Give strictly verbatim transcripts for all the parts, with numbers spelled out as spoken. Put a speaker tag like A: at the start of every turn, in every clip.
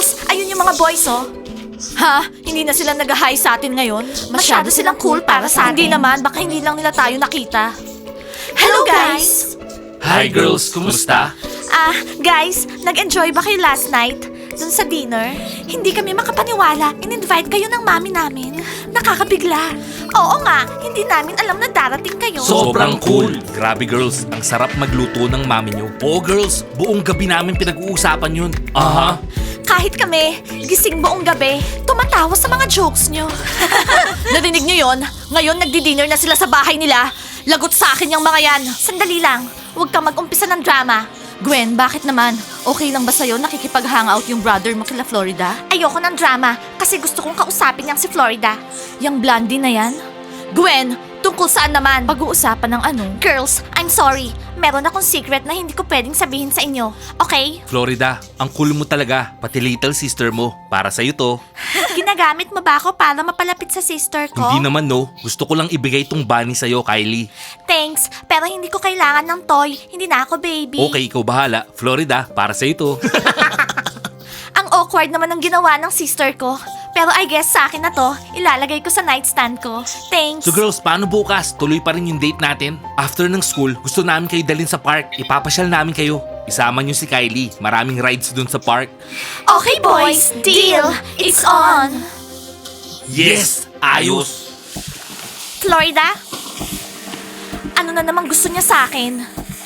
A: Girls, ayun yung mga boys, oh. Ha? Hindi na sila nag-hi sa atin ngayon? Masyado silang cool para sa atin. Hindi naman, baka hindi lang nila tayo nakita. Hello, guys!
B: Hi girls, kumusta?
A: Ah, guys, nag-enjoy ba kayo last night? Dun sa dinner? Hindi kami makapaniwala. In-invite kayo ng mami namin. Nakakabigla. Oo nga, hindi namin alam na darating kayo.
B: Sobrang cool. Grabe girls, ang sarap magluto ng mami nyo. Oo girls, buong gabi namin pinag-uusapan yun. Aha.
A: Kahit kami, gising buong gabi, tumatawa sa mga jokes nyo. Narinig nyo yon? Ngayon nagdi-dinner na sila sa bahay nila. Lagot sa akin yung mga yan. Sandali lang, huwag kang mag-umpisa ng drama. Gwen, bakit naman? Okay lang ba sa'yo nakikipag-hangout yung brother mo kila Florida? Ayoko ng drama kasi gusto kong kausapin niyang si Florida. Yung blondie na yan? Gwen, tungkol saan naman? Pag-uusapan ng ano? Girls, I'm sorry. Meron akong secret na hindi ko pwedeng sabihin sa inyo. Okay?
B: Florida, ang cool mo talaga. Pati little sister mo. Para sa'yo to.
A: Ginagamit mo ba ako para mapalapit sa sister ko?
B: Hindi naman no. Gusto ko lang ibigay tong bunny sa'yo, Kylie.
A: Thanks, pero hindi ko kailangan ng toy. Hindi na ako baby.
B: Okay, ikaw bahala. Florida, para sa'yo to.
A: Ang awkward naman ng ginawa ng sister ko. Pero I guess sa akin na to, ilalagay ko sa nightstand ko. Thanks.
B: So girls, paano bukas? Tuloy pa rin yung date natin? After ng school, gusto namin kayo dalhin sa park. Ipapasyal namin kayo. Isama niyo si Kylie. Maraming rides dun sa park.
A: Okay boys, deal. It's on.
B: Yes! Ayos!
A: Florida? Ano na naman gusto niya sa akin?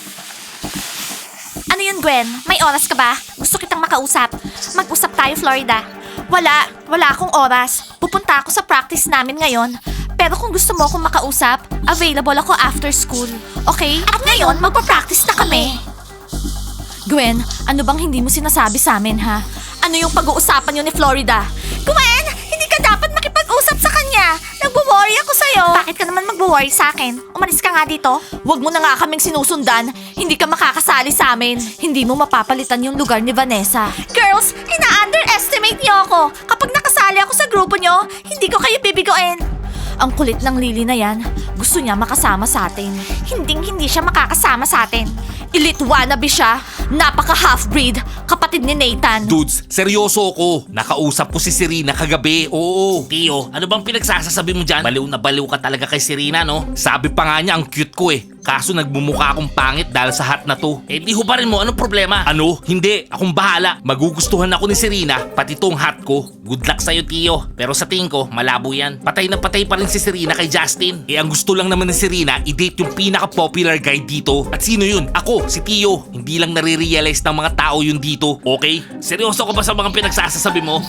A: Ano yun, Gwen? May oras ka ba? Gusto kitang makausap. Mag-usap tayo, Florida. Wala, wala akong oras. Pupunta ako sa practice namin ngayon. Pero kung gusto mo akong makausap, available ako after school. Okay? At ngayon, magpa-practice na kami. Gwen, ano bang hindi mo sinasabi sa amin, ha? Ano yung pag-uusapan niyo ni Florida? Gwen, hindi ka dapat makipag-usap sa kanya. Nagwo-worry ako sa'yo. Bakit ka naman magwo-worry sa akin? Umalis ka nga dito. Huwag mo na nga kaming sinusundan. Hindi ka makakasali sa amin. Hindi mo mapapalitan yung lugar ni Vanessa. Girls, ina-underestimate niyo ako. Kapag nakasali ako sa grupo niyo, hindi ko kayo bibigoin. Ang kulit ng Lily na yan. Gusto niya makasama sa atin. Hinding hindi siya makakasama sa atin. Elite wannabe siya. Napaka half-breed. Kapatid ni Nathan.
B: Dudes, seryoso ako. Nakausap ko si Serena kagabi. Oo. Tio, ano bang pinagsasasabi mo dyan? Baliw na baliw ka talaga kay Serena, no? Sabi pa nga niya, ang cute ko eh. Kaso nagmumukha akong pangit dahil sa hat na to. Eh di hubarin mo, anong problema? Ano? Hindi, akong bahala. Magugustuhan ako ni Serena, pati tong hat ko. Good luck sa'yo, Tio. Pero sa tingin ko, malabo yan. Patay na patay pa rin si Serena kay Justin. Eh ang gusto lang naman ni Serena, i-date yung pinaka-popular guy dito. At sino yun? Ako, si Tio. Hindi lang nare-realize ng mga tao yun dito. Okay? Seryoso ko ba sa mga pinagsasasabi mo?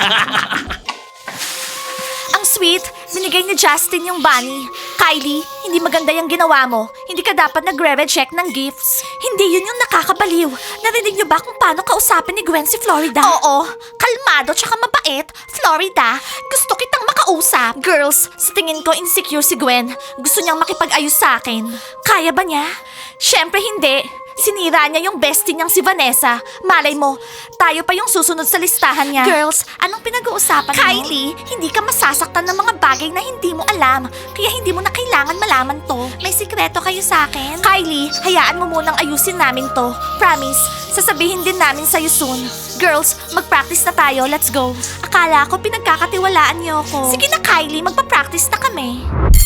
A: Ang sweet, binigay ni Justin yung bunny. Kylie, hindi maganda yung ginawa mo. Hindi ka dapat nagre-reject ng gifts. Hindi yun yung nakakabaliw. Narinig niyo ba kung paano kausapin ni Gwen si Florida? Oo, kalmado tsaka mabait. Florida, gusto kitang makausap. Girls, sa tingin ko insecure si Gwen. Gusto niyang makipag-ayos sa akin. Kaya ba niya? Siyempre hindi. Sinira niya yung bestie niyang si Vanessa. Malay mo, tayo pa yung susunod sa listahan niya. Girls, anong pinag-uusapan mo? Kylie, hindi ka masasaktan ng mga bagay na hindi mo alam. Kaya hindi mo na kailangan malaman to. May sikreto kayo sa akin? Kylie, hayaan mo munang ayusin namin to. Promise, sasabihin din namin sa'yo soon. Girls, mag-practice na tayo. Let's go. Akala ko pinagkakatiwalaan niyo ako. Sige na Kylie, magpa-practice na kami.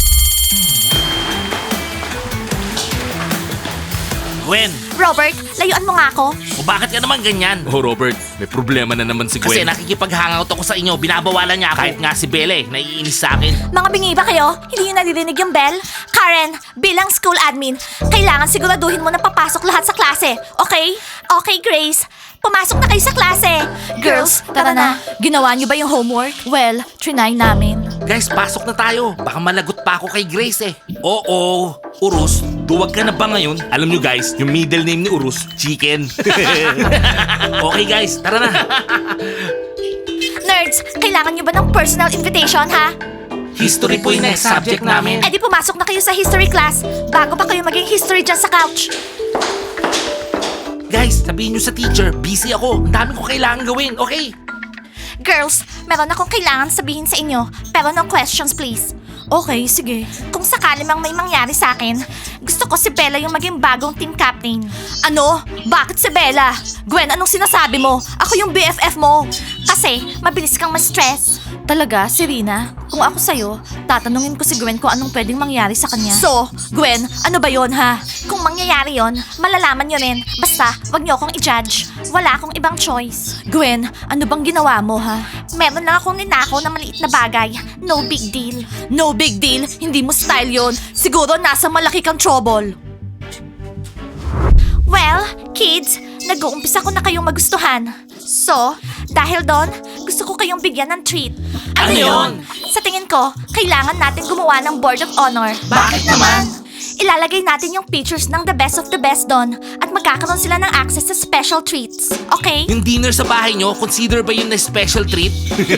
B: Gwen,
A: Robert, layuan mo nga ako.
B: o bakit ka naman ganyan? Oh Robert, may problema na naman si Gwen. Kasi nakikipag-hangout ako sa inyo, binabawalan niya ako. Kahit nga si Belle, naiinis sa akin.
A: Mga bingi ba kayo? Hindi nyo naririnig yung bell? Karen, bilang school admin, kailangan siguraduhin mo na papasok lahat sa klase, okay? Okay, Grace. Pumasok na kayo sa klase. Girls, tara na. Ginawa niyo ba yung homework? Well, trinay namin.
B: Guys, pasok na tayo. Baka malagot pa ako kay Grace eh. Oo, Urus, duwag ka na ba ngayon? Alam nyo guys, yung middle name ni Urus, Chicken. Okay guys, tara na.
A: Nerds, kailangan niyo ba ng personal invitation, ha?
B: History po yung next subject namin.
A: Eh di pumasok na kayo sa history class bago pa kayo maging history dyan sa couch.
B: Guys, sabihin nyo sa teacher, busy ako. Ang dami ko kailangan gawin, okay?
A: Girls, meron akong kailangan sabihin sa inyo, pero no questions please. Okay, sige. Kung sakali sakali mang may mangyari sa akin, gusto ko si Bella yung maging bagong team captain. Ano? Bakit si Bella? Gwen, anong sinasabi mo? Ako yung B F F mo. Kasi, mabilis kang ma-stress. Talaga, Serena? Kung ako sa'yo, tatanungin ko si Gwen kung anong pwedeng mangyari sa kanya. So, Gwen, ano ba yon ha? Kung mangyayari yon, malalaman nyo rin. Basta, wag nyo akong i-judge. Wala akong ibang choice. Gwen, ano bang ginawa mo ha? Meron lang akong ninakaw na maliit na bagay. No big deal. No big deal? Hindi mo style yon. Siguro nasa malaki kang trouble. Well, kids, nag-uumpisa ko na kayong magustuhan. So, dahil doon, gusto ko kayong bigyan ng treat.
B: Ano yun?
A: Sa tingin ko, kailangan natin gumawa ng Board of Honor.
B: Bakit naman?
A: Ilalagay natin yung pictures ng the best of the best doon at magkakaroon sila ng access sa special treats. Okay?
B: Yung dinner sa bahay nyo, consider ba yun na special treat?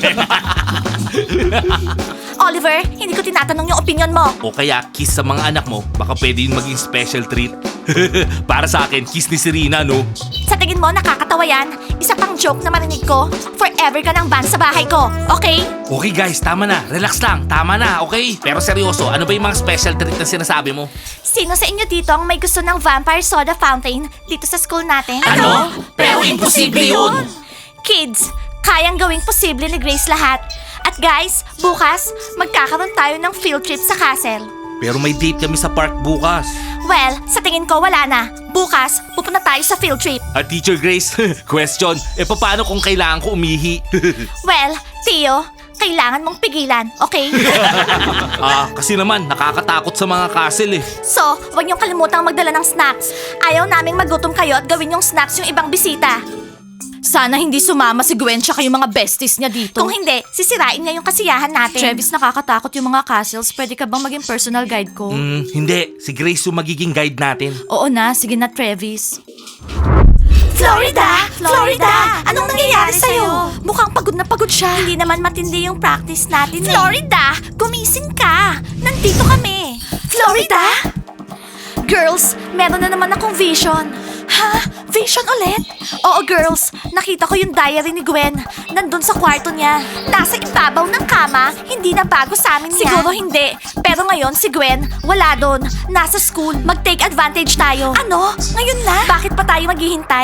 A: Oliver, hindi ko tinatanong yung opinion mo.
B: O kaya kiss sa mga anak mo, baka pwede yun maging special treat. Para sa akin, kiss ni Serena, no?
A: Sa tingin mo, nakakatawa yan? Isa pang joke na marinig ko, forever ka ng ban sa bahay ko, okay?
B: Okay guys, tama na. Relax lang. Tama na, okay? Pero seryoso, ano ba yung mga special treat na sinasabi mo?
A: Sino sa inyo dito ang may gusto ng vampire soda fountain dito sa school natin?
B: Ano? Pero imposible yun!
A: Kids, kayang gawing posible ni Grace lahat. At guys, bukas, magkakaroon tayo ng field trip sa castle.
B: Pero may date kami sa park bukas.
A: Well, sa tingin ko wala na. Bukas, pupunta tayo sa field trip.
B: At Teacher Grace, question, eh paano kung kailangan ko umihi?
A: Well, Tio, kailangan mong pigilan, okay?
B: Ah, kasi naman, nakakatakot sa mga castle eh.
A: So, huwag niyong kalimutang magdala ng snacks. Ayaw naming magutom kayo at gawin yung snacks yung ibang bisita. Sana hindi sumama si Gwen tsaka yung mga besties niya dito. Kung hindi, sisirain niya yung kasiyahan natin. Travis, nakakatakot yung mga castles. Pwede ka bang maging personal guide ko?
B: Hmm, hindi. Si Grace yung magiging guide natin.
A: Oo na, sige na Travis. Florida! Florida! Anong nangyayari sa'yo? Mukhang pagod na pagod siya. Hindi naman matindi yung practice natin. Florida! Gumising ka! Nandito kami! Florida! Girls, meron na naman akong vision. Ha? Vision ulit? Oo, girls. Nakita ko yung diary ni Gwen. Nandun sa kwarto niya. Nasa ibabaw ng kama. Hindi na bago sa amin yan. Siguro hindi. Pero ngayon si Gwen, wala doon. Nasa school. Mag-take advantage tayo. Ano? Ngayon na? Bakit pa tayo maghihintay?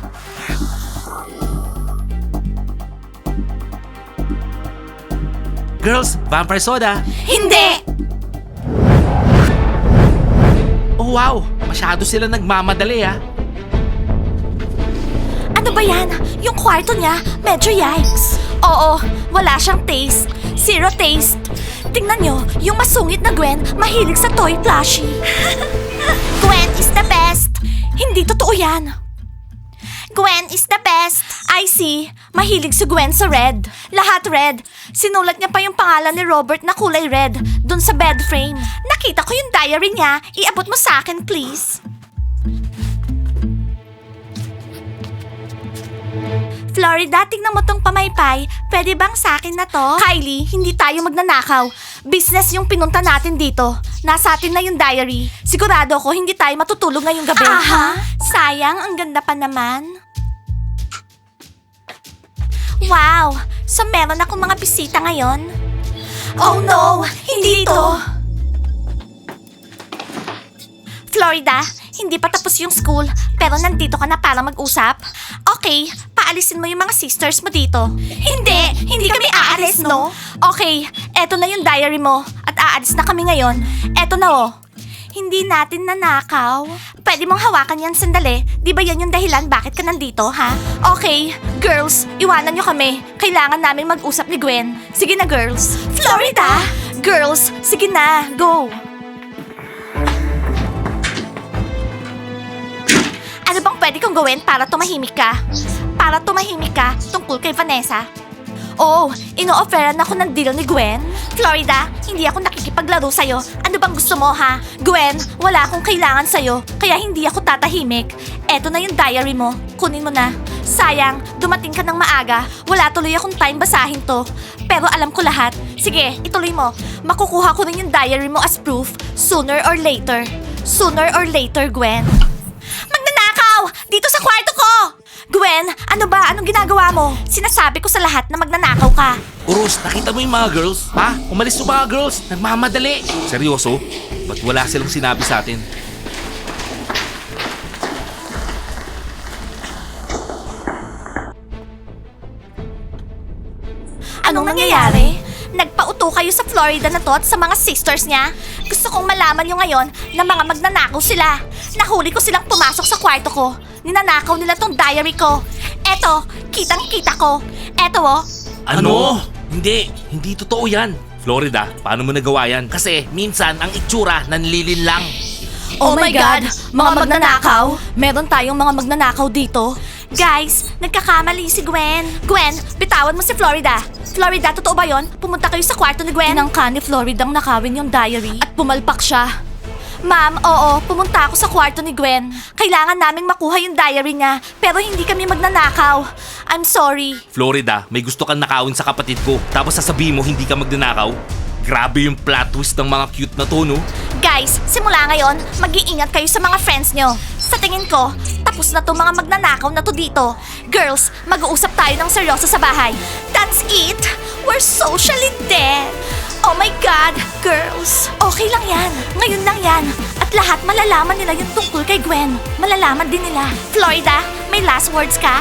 B: Girls, vampire soda.
A: Hindi!
B: Oh wow, masyado sila nagmamadali ah.
A: Ano ba yan? Yung kwarto niya, medyo yikes. Oo, wala siyang taste. Zero taste. Tingnan nyo, yung masungit na Gwen, mahilig sa toy plushie. Gwen is the best. Hindi totoo yan. Gwen is the best. I see. Mahilig si Gwen sa red. Lahat red. Sinulat niya pa yung pangalan ni Robert na kulay red dun sa bed frame. Nakita ko yung diary niya. Iabot mo sa akin, please. Florida, tingnan mo tong pamaypay. Pwede bang sa akin na to? Kylie, hindi tayo magnanakaw. Business yung pinunta natin dito. Nasa atin na yung diary. Sigurado ko hindi tayo matutulog ngayong gabi. Aha, sayang, ang ganda pa naman. Wow, so meron akong mga bisita ngayon? Oh no, hindi ito. Florida, hindi pa tapos yung school, pero nandito ka na para mag-usap? Okay, paalisin mo yung mga sisters mo dito. Hindi, hindi kami aalis, no? Okay, eto na yung diary mo, at aalis na kami ngayon. Eto na oh. Hindi natin nanakaw. Pwede mong hawakan yan sandali. Di ba yan yung dahilan bakit ka nandito, ha? Okay, girls, iwanan nyo kami. Kailangan namin mag-usap ni Gwen. Sige na, girls. Florida! Girls, sige na, go! Ano bang pwede kong gawin para tumahimik ka? Para tumahimik ka tungkol kay Vanessa? Oh, ino-offeran ako ng deal ni Gwen. Florida, hindi ako nakikipaglaro sa'yo. Ano bang gusto mo, ha? Gwen, wala akong kailangan sa'yo, kaya hindi ako tatahimik. Eto na yung diary mo. Kunin mo na. Sayang, dumating ka ng maaga. Wala tuloy akong time basahin to. Pero alam ko lahat. Sige, ituloy mo. Makukuha ko rin yung diary mo as proof. Sooner or later. Sooner or later, Gwen. Magnanakaw! Dito sa kwarto ko! Gwen, ano ba? Anong ginagawa mo? Sinasabi ko sa lahat na magnanakaw ka.
B: Urus, nakita mo yung mga girls? Ha? Umalis yung mga girls. Nagmamadali. Seryoso? Ba't wala silang sinabi sa atin?
A: Anong nangyayari? Nagpauto kayo sa Florida na to at sa mga sisters niya? Gusto kong malaman nyo ngayon na mga magnanakaw sila. Nahuli ko silang pumasok sa kwarto ko. Ninanakaw nila tong diary ko. Eto, kitang-kita ko. Eto oh.
B: Ano? Hindi. Hindi totoo yan. Florida, paano mo nagawa yan? Kasi minsan ang itsura nanlilin lang.
A: Oh my God! Mga magnanakaw? Meron tayong mga magnanakaw dito. Guys, nagkakamali si Gwen. Gwen, bitawan mo si Florida. Florida, totoo ba yon? Pumunta kayo sa kwarto ni Gwen. Tinangka ni Florida ang nakawin yung diary. At pumalpak siya. Ma'am, oo, pumunta ako sa kwarto ni Gwen. Kailangan naming makuha yung diary niya, pero hindi kami magnanakaw. I'm sorry.
B: Florida, may gusto kang nakawin sa kapatid ko. Tapos sasabihin mo hindi ka magnanakaw? Grabe yung plot twist ng mga cute na to, no?
A: Guys, simula ngayon, mag-iingat kayo sa mga friends nyo. Sa tingin ko, tapos na to mga magnanakaw na to dito. Girls, mag-uusap tayo ng seryoso sa bahay. That's it! We're socially dead! Oh my God, girls! Okay lang yan. Ngayon lang yan. At lahat malalaman nila yung tungkol kay Gwen. Malalaman din nila. Florida, may last words ka?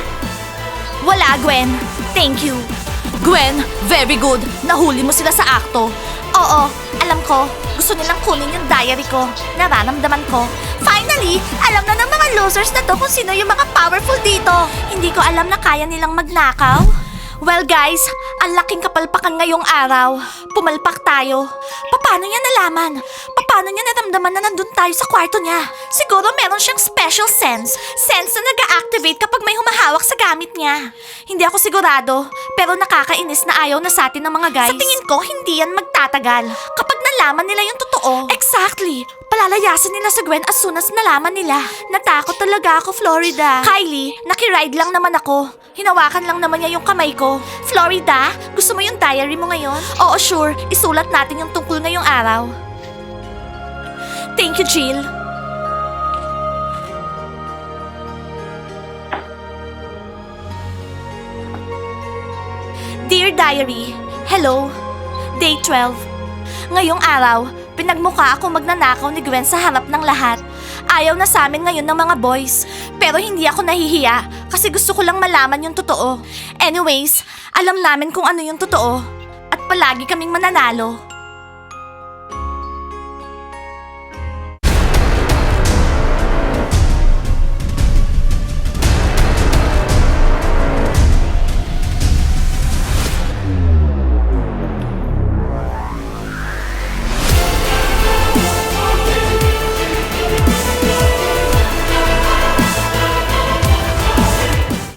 A: Wala, Gwen. Thank you. Gwen, very good. Nahuli mo sila sa akto. Oo, alam ko. Gusto nilang kunin yung diary ko. Nararamdaman ko. Finally, alam na ng mga losers na to kung sino yung mga powerful dito. Hindi ko alam na kaya nilang magnakaw. Well guys, ang laking kapalpakan ngayong araw. Pumalpak tayo. Paano niya nalaman? Paano niya naramdaman na nandun tayo sa kwarto niya? Siguro meron siyang special sense. Sense na nag-a-activate kapag may humahawak sa gamit niya. Hindi ako sigurado, pero nakakainis na ayaw na sa atin ng mga guys. Sa tingin ko, hindi yan magtatagal. Kapag nalaman nila yung totoo. Exactly. Palalayasan nila sa Gwen as soon as nalaman nila. Natakot talaga ako, Florida. Kylie, nakiride lang naman ako. Hinawakan lang naman niya yung kamay ko. Florida, gusto mo yung diary mo ngayon? Oo, sure. Isulat natin yung tungkol ngayong araw. Thank you, Jill. Dear Diary, hello. Day twelve. Ngayong araw, pinagmukha ako magnanakaw ni Gwen sa harap ng lahat. Ayaw na sa amin ngayon ng mga boys. Pero hindi ako nahihiya kasi gusto ko lang malaman yung totoo. Anyways, alam namin kung ano yung totoo. At palagi kaming mananalo.